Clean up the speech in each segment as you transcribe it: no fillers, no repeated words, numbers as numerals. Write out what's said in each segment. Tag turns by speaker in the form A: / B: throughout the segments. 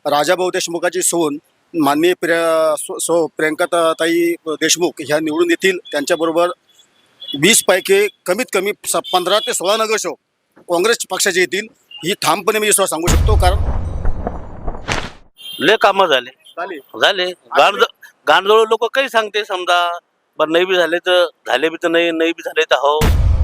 A: राजाभाऊ देशमुखाची सून माननीय प्रियंकाताई देशमुख ह्या निवडून येतील. त्यांच्याबरोबर 20 पैकी कमीत कमी 15 ते 16 नगरसेवक काँग्रेस पक्षाचे येतील. ही ठामपणे मी विश्वास सांगू शकतो, कारण
B: लय कामं झाले गांडोळ लोक काही सांगते समजा बरं नाही बी झाले तर नाही बी झाले तर हो.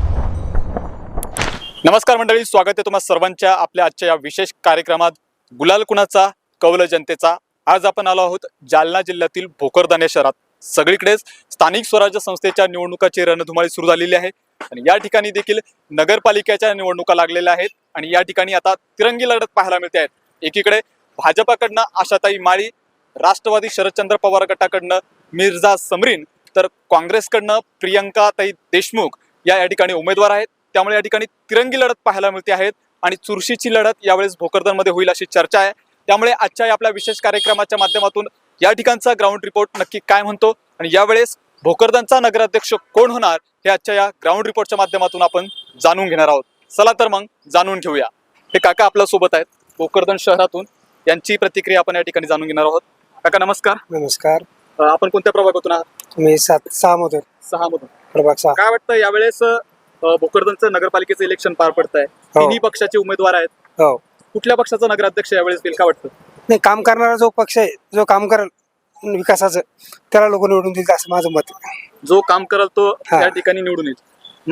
C: नमस्कार मंडळी, स्वागत आहे तुम्हा सर्वांच्या आपल्या आजच्या या विशेष कार्यक्रमात गुलाल कुणाचा कौल जनतेचा. आज आपण आलो आहोत जालना जिल्ह्यातील भोकरदन या शहरात. सगळीकडेच स्थानिक स्वराज्य संस्थेच्या निवडणुकाची रणधुमाळी सुरू झालेली आहे आणि या ठिकाणी देखील नगरपालिकेच्या निवडणुका लागलेल्या आहेत आणि या ठिकाणी आता तिरंगी लढत पाहायला मिळते आहेत. एकीकडे भाजपाकडनं आशाताई माळी, राष्ट्रवादी शरदचंद्र पवार गटाकडनं मिर्झा समरीन, तर काँग्रेसकडनं प्रियंकाताई देशमुख या ठिकाणी उमेदवार आहेत. त्यामुळे या ठिकाणी तिरंगी लढत पाहायला मिळते आहेत आणि चुरशीची लढत यावेळेस भोकरदनमध्ये होईल अशी चर्चा आहे. त्यामुळे आजच्या आपल्या विशेष कार्यक्रमाच्या माध्यमातून या ठिकाणचा ग्राउंड रिपोर्ट नक्की काय म्हणतो आणि यावेळेस भोकरदनचा नगराध्यक्ष कोण होणार हे आजच्या या ग्राउंड रिपोर्टच्या माध्यमातून आपण जाणून घेणार आहोत. चला तर मग जाणून घेऊया. हे काका आपल्या सोबत आहेत भोकरदन शहरातून, यांची प्रतिक्रिया आपण या ठिकाणी जाणून घेणार आहोत. काका नमस्कार.
D: नमस्कार.
C: आपण कोणत्या प्रभागातून आहात?
D: मी 6 मधून.
C: 6 मधून.
D: प्रभाग 6.
C: काय वाटतं यावेळेस भोकरदनचं नगरपालिकेचं इलेक्शन पार पडत आहे, तिन्ही पक्षाचे उमेदवार आहेत.
D: हो.
C: कुठल्या पक्षाचा नगराध्यक्ष यावेळेस येईल काय वाटतं?
D: नाही, काम करणारा जो पक्ष आहे, जो काम करेल विकासाचं, त्याला लोक निवडून देतील असं माझं मत आहे.
C: जो काम करेल तो
D: हा.
C: या ठिकाणी निवडून येईल.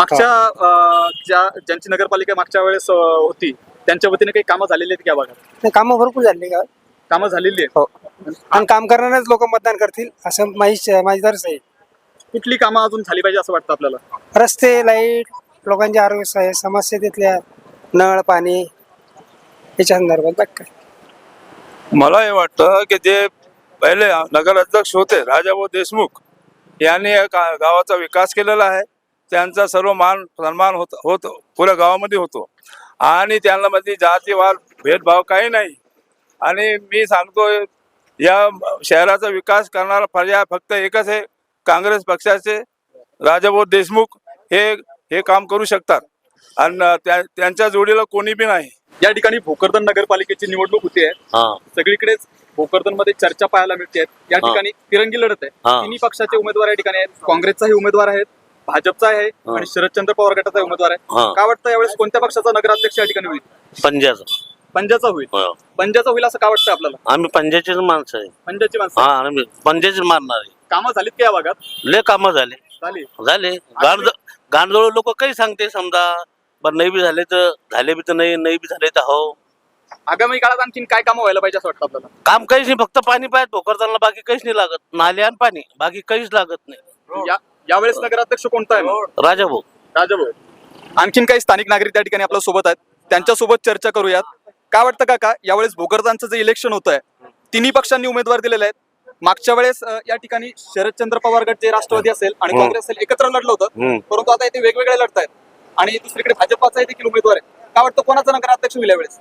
C: मागच्या ज्यांची नगरपालिका मागच्या वेळेस होती त्यांच्या वतीने काही कामं झालेली आहेत का भागात?
D: नाही, कामं भरपूर झाली का?
C: कामं झालेली आहेत.
D: हो. आणि काम करणारेच लोक मतदान करतील असं माझी दर्श आहे.
C: कुठली कामं अजून झाली पाहिजे असं वाटतं आपल्याला?
D: रस्ते, लाईट, लोकांचे आरोग्य समस्या, तिथल्या नळ पाणी याच्या संदर्भात बाकी काय.
E: मला हे वाटतं की जे पहिले नगराध्यक्ष होते राजाभाऊ देशमुख यांनी या गावाचा विकास केलेला आहे. त्यांचा सर्व मान सन्मान होतो पुऱ्या गावामध्ये होतो आणि त्यांना मध्ये जातीवाद भेदभाव काही नाही. आणि मी सांगतो या शहराचा विकास करणारा पर्याय फक्त एकच आहे, काँग्रेस पक्षाचे राजाभाऊ देशमुख हे काम करू शकतात आणि त्यांच्या जोडीला कोणी बी नाही.
C: या ठिकाणी भोकरदन नगरपालिकेची निवडणूक होती आहे. सगळीकडेच भोकरदन मध्ये चर्चा पाहायला मिळते. या ठिकाणी तिरंगी लढत आहे. तिन्ही पक्षाचे उमेदवार या ठिकाणी आहेत. काँग्रेसचाही उमेदवार आहेत, भाजपचा आहे आणि शरदचंद्र पवार गटाचा उमेदवार आहे. काय वाटतं यावेळेस कोणत्या पक्षाचा नगराध्यक्ष या ठिकाणी होईल? पंजाचा होईल. पंजाचा होईल असं काय वाटतं आपल्याला?
B: आम्ही पंजाचीच माणसं आहे.
C: पंजाची माणसं.
B: आम्ही पंजाचीच मारणार आहे.
C: कामं झालीत का या भागात?
B: लय कामं झाले गांडोळ लोक काही सांगते समजा बरं नाही बी झाले तर नाही बी झाले तर हो.
C: आगामी काळात आणखीन काय कामं व्हायला पाहिजे असं वाटतं आपल्याला?
B: काम काहीच नाही, फक्त पाणी पाहिजे भोकरदनला, बाकी काहीच नाही लागत. नाले आणि पाणी, बाकी काहीच लागत नाही.
C: यावेळेस नगराध्यक्ष कोणता आहे?
B: राजाभाऊ.
C: आणखीन काही स्थानिक नागरिक त्या ठिकाणी आपल्या सोबत आहेत, त्यांच्यासोबत चर्चा करूयात. काय वाटतं काका यावेळेस भोकरदनचं जे इलेक्शन होत आहे, तिन्ही पक्षांनी उमेदवार दिलेले आहेत. मागच्या वेळेस या ठिकाणी शरदचंद्र पवार गट जे राष्ट्रवादी असेल आणि काँग्रेस असेल एकत्र लढलं होतं, परंतु आता इथे वेगवेगळे लढत आहेत आणि दुसरीकडे भाजपाचा देखील उमेदवार आहे. काय वाटतं कोणाचा नगराध्यक्ष होईल यावेळेस?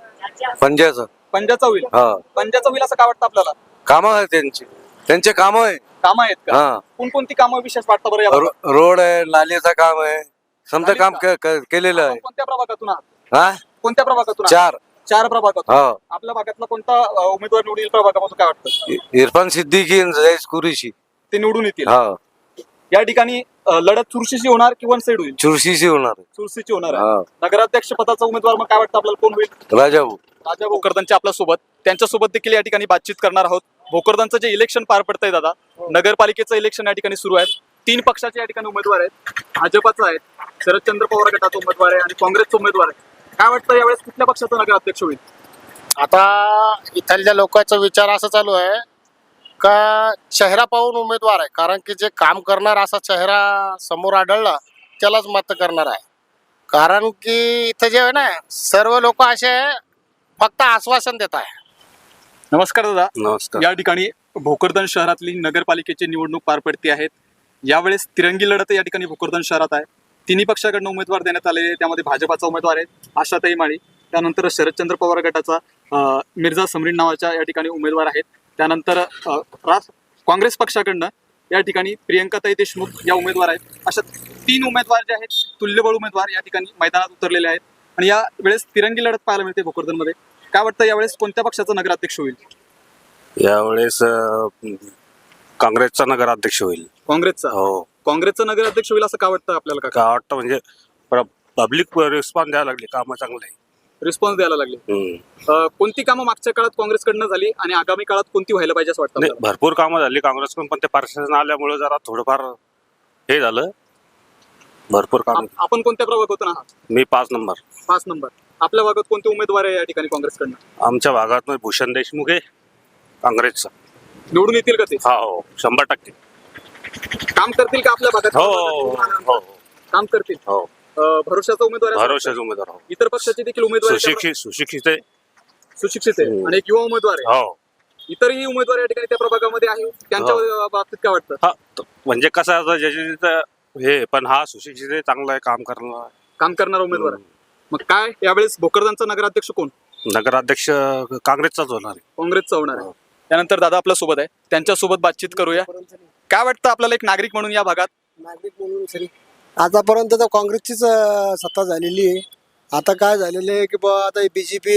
C: पंजाचा होईल. पंजाचा होईल असं काय वाटतं आपल्याला?
F: कामं आहे त्यांचे कामं आहे.
C: कामं आहेत का? कोणकोणती कामं विशेष वाटतं बरं या भागात?
F: रोड आहे, नालीचं काम आहे, समजा काम केलेलं आहे.
C: कोणत्या प्रभागातून आहात? कोणत्या प्रभागातून? 4 प्रभागातून. आपल्या भागातला कोणता उमेदवार निवडून येईल प्रभागापासून काय वाटतं?
F: इरफान सिद्दीकी, जयेश कुरेशी
C: ते निवडून येतील. या ठिकाणी लढत चुरशीची होणार की वन साइड होईल?
F: चुरशीची होणार.
C: चुरशीची होणार आहे. नगराध्यक्ष पदाचा उमेदवार मग काय वाटतं आपल्याला कोण होईल?
F: राजाभाऊ
C: भोकरदनच्या आपल्या सोबत, त्यांच्यासोबत देखील या ठिकाणी बातचीत करणार आहोत. भोकरदनचं जे इलेक्शन पार पडतंय दादा, नगरपालिकेचं इलेक्शन या ठिकाणी सुरू आहे. 3 पक्षाचे या ठिकाणी उमेदवार आहेत. भाजपाचा आहे, शरदचंद्र पवार गटाचा उमेदवार आहे आणि काँग्रेसचा उमेदवार आहे. काय वाटतं यावेळेस कुठल्या पक्षाचा नगराध्यक्ष होईल?
G: आता इथल्या लोकांचा विचार असा चालू आहे का चेहरा पाहून उमेदवार आहे, कारण की जे काम करणार असा चेहरा समोर आढळला त्यालाच मत करणार आहे. कारण की इथं जे आहे ना, सर्व लोक असे फक्त आश्वासन देत आहे.
C: नमस्कार दादा.
F: नमस्कार.
C: या ठिकाणी भोकरदन शहरातली नगरपालिकेची निवडणूक पार पडते आहेत. यावेळेस तिरंगी लढत या ठिकाणी भोकरदन शहरात आहे. तिन्ही पक्षाकडनं उमेदवार देण्यात आले. त्यामध्ये भाजपाचा उमेदवार आहे आशाताई माळी, त्यानंतर शरदचंद्र पवार गटाचा मिर्झा समरीन नावाच्या या ठिकाणी उमेदवार आहेत. त्यानंतर काँग्रेस पक्षाकडनं या ठिकाणी प्रियंकाताई देशमुख या उमेदवार आहेत. अशा 3 उमेदवार जे आहेत, तुल्यबळ उमेदवार या ठिकाणी मैदानात उतरलेले आहेत आणि या वेळेस तिरंगी लढत पाहायला मिळते भोकरदनमध्ये. काय वाटतं यावेळेस कोणत्या पक्षाचा नगराध्यक्ष होईल?
H: यावेळेस काँग्रेसचा नगराध्यक्ष होईल.
C: काँग्रेसचा
H: हो.
C: काँग्रेसचा नगराध्यक्ष होईल असं का वाटतं आपल्याला? का
H: का वाटतं म्हणजे पब्लिक रिस्पॉन्स द्यायला लागली, कामं चांगले आहे.
C: रिस्पॉन्स द्यायला लागले? कोणती कामं मागच्या काळात काँग्रेसकडनं झाली आणि आगामी काळात कोणती व्हायला पाहिजे असं वाटतं
H: नाही,
C: आपल्याला?
H: भरपूर कामं झाली काँग्रेसकडून, पण ते प्रशासन आल्यामुळे जरा थोडंफार हे झालं. भरपूर काम.
C: आपण कोणत्या प्रभागातून आहात?
H: मी 5 नंबर.
C: 5 नंबर. आपल्या भागात कोणते उमेदवार आहे या ठिकाणी काँग्रेसकडनं?
H: आमच्या भागात भूषण देशमुख आहे काँग्रेसचा.
C: निवडून येतील का ते?
H: हो 100%.
C: काम करतील का आपल्या भागात?
H: हो हो
C: काम करतील.
H: हो.
C: भरोशाचा उमेदवार आहे?
H: भरोशाचे उमेदवार. हो.
C: इतर पक्षाचे देखील उमेदवार आहेत?
H: सुशिक्षित आहे.
C: सुशिक्षित आहे आणि एक युवा उमेदवार आहे.
H: हो.
C: इतरही उमेदवार या ठिकाणी त्या प्रभागामध्ये आहे, त्यांच्या बाबतीत काय वाटतं?
H: हा म्हणजे कसं असं ज्याच्या तिथं हे, पण हा सुशिक्षित आहे, चांगला आहे, काम करणार.
C: काम करणारा उमेदवार आहे. मग काय यावेळेस भोकरदानचा नगराध्यक्ष कोण?
H: नगराध्यक्ष काँग्रेसचाच होणार आहे.
C: काँग्रेसचा होणार आहे. त्यानंतर दादा आपल्या सोबत आहे, त्यांच्यासोबत बातचीत करूया. काय वाटतं आपल्याला एक नागरिक म्हणून या भागात?
I: नागरिक म्हणून सरी आतापर्यंत तर काँग्रेसचीच सत्ता झालेली आहे. आता काय झालेलं आहे की बा आता BJP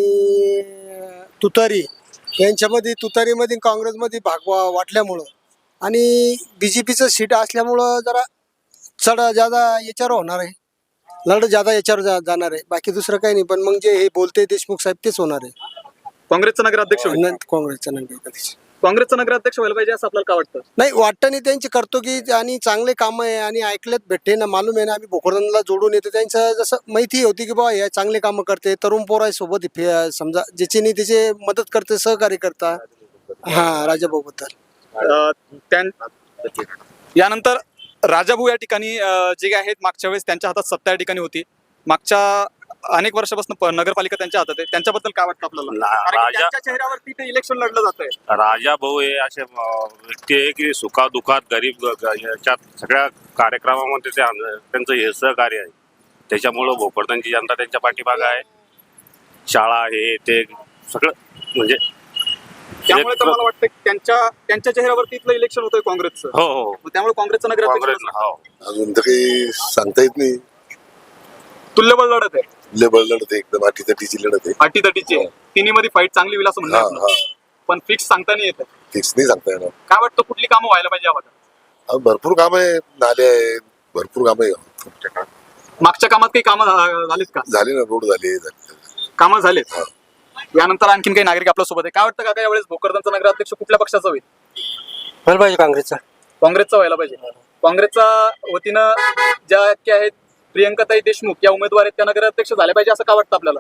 I: आणि तुतारी यांच्यामध्ये, तुतारीमध्ये काँग्रेसमध्ये भाग वाटल्यामुळं आणि BJPचं सीट असल्यामुळं जरा चढ ज्यादा याच्यावर होणार आहे, लढ ज्यादा याच्यावर जाणार आहे. बाकी दुसरं काही नाही. पण मग जे हे बोलते देशमुख साहेब तेच होणार आहे.
C: काँग्रेसचा नगराध्यक्ष होईल?
I: काँग्रेसचं नाही,
C: काँग्रेसचा नगराध्यक्ष व्हायला पाहिजे असं आपल्याला काय वाटतं?
I: नाही वाटतं नाही. त्यांची करतो की आणि चांगले कामं आहे आणि ऐकलेत भेटते ना, मालूम आहे ना. आम्ही भोकरदनला जोडून येतो, त्यांचं जसं माहिती होती की बा हे चांगले कामं करते, तरुण पोरासोबत समजा ज्याची नाही त्याचे मदत करते, सहकार्य करता. हा राजाभाऊ बद्दल.
C: यानंतर राजाभाऊ या ठिकाणी जे आहेत, मागच्या वेळेस त्यांच्या हातात सत्ता या ठिकाणी होती. मागच्या अनेक वर्षापासून नगरपालिका त्यांच्या हातात आहे. त्यांच्याबद्दल काय वाटतं आपल्याला? कारण की त्यांच्या चेहऱ्यावरती ते इलेक्शन लढलं जात आहे.
H: राजा भाऊ हे असे व्यक्ती आहे की सुखादुखात गरीब याच्यात सगळ्या कार्यक्रमामध्ये त्यांचं हे सहकार्य आहे. त्याच्यामुळं भोकरदनची जनता त्यांच्या पाठीमागं आहे. शाळा हे ते सगळं म्हणजे
C: त्यामुळे तर मला वाटतं की त्यांच्या चेहऱ्यावरती इथलं इलेक्शन होतंय काँग्रेसचं.
H: हो हो.
C: मग त्यामुळे काँग्रेसचं
H: काँग्रेस
C: नगराध्यक्ष
H: हो.
J: अजून तर काही सांगता येत नाही.
C: तुल्यबळ लढत आहे.
J: लेबल लढत आहे, एकदम अटीतटीची लढत आहे.
C: अटीतटीची आहे. तिन्हीमध्ये फाईट चांगली होईल असं
J: हा
C: म्हणणं
J: हा.
C: पण फिक्स सांगता नाही येत.
J: फिक्स नाही सांगता येणार.
C: काय वाटतं कुठली कामं व्हायला पाहिजे या भागात?
J: अजून भरपूर काम आहे, नाले आहेत, भरपूर काम आहे.
C: मागच्या कामात काही कामं झालीत का?
J: झाले ना, रोड झाले.
C: कामं झालेत. यानंतर आणखीन काही नागरिक आपल्या सोबत आहे. काय वाटतं का यावेळेस भोकरदनचा नगराध्यक्ष कुठल्या पक्षाचा होईल?
I: व्हायला पाहिजे काँग्रेसचा.
C: काँग्रेसचा व्हायला पाहिजे. काँग्रेसच्या वतीनं ज्या की आहेत प्रियंकाताई देशमुख या उमेदवार आहेत, त्या नगराध्यक्ष झाल्या पाहिजे असं का वाटतं आपल्याला?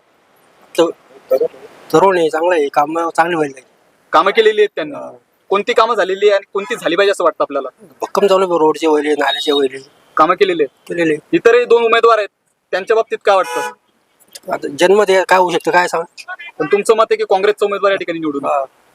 I: तरुण आहे, चांगलं आहे, काम चांगली व्हायला पाहिजे.
C: कामं केलेली आहेत त्यांनी. कोणती कामं झालेली आहे आणि कोणती झाली पाहिजे असं वाटतं आपल्याला?
I: भक्कम चालू आहे, रोडचे वैले, नाल्याचे वैले
C: कामं केलेली आहेत.
I: केलेले.
C: इतरही 2 उमेदवार आहेत, त्यांच्या बाबतीत काय वाटतं?
I: आता जन्म काय होऊ शकतं काय सांग.
C: पण तुमचं मत आहे की काँग्रेसचा उमेदवार या ठिकाणी निवडून?